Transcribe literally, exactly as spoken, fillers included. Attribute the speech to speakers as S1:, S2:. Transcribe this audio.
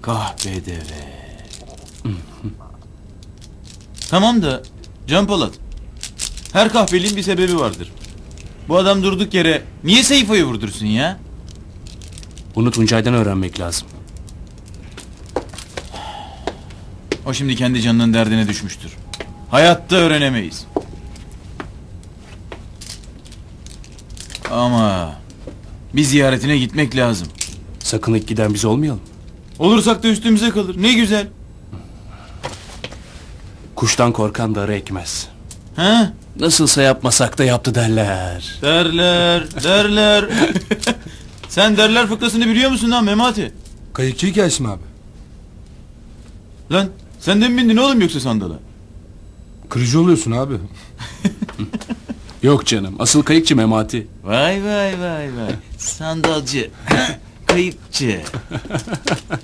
S1: Kahpedeve. Tamam da Can Polat, her kahpeliğin bir sebebi vardır. Bu adam durduk yere niye Seyfo'yu vurdursun ya?
S2: Bunu Tuncay'dan öğrenmek lazım.
S1: O şimdi kendi canının derdine düşmüştür. Hayatta öğrenemeyiz. Ama bir ziyaretine gitmek lazım.
S2: Sakın ilk giden biz olmayalım.
S1: Olursak da üstümüze kalır. Ne güzel.
S2: Kuştan korkan darı ekmez.
S1: Ha?
S2: Nasılsa yapmasak da yaptı derler.
S1: Derler, derler. Sen derler fıkrasını biliyor musun lan Memati?
S3: Kayıkçı hikayesi mi abi?
S1: Lan sen de mi bindin oğlum yoksa sandala?
S3: Kırıcı oluyorsun abi.
S2: Yok canım, asıl kayıkçı Memati.
S1: Vay vay vay vay. Sandalcı. Kayıkçı.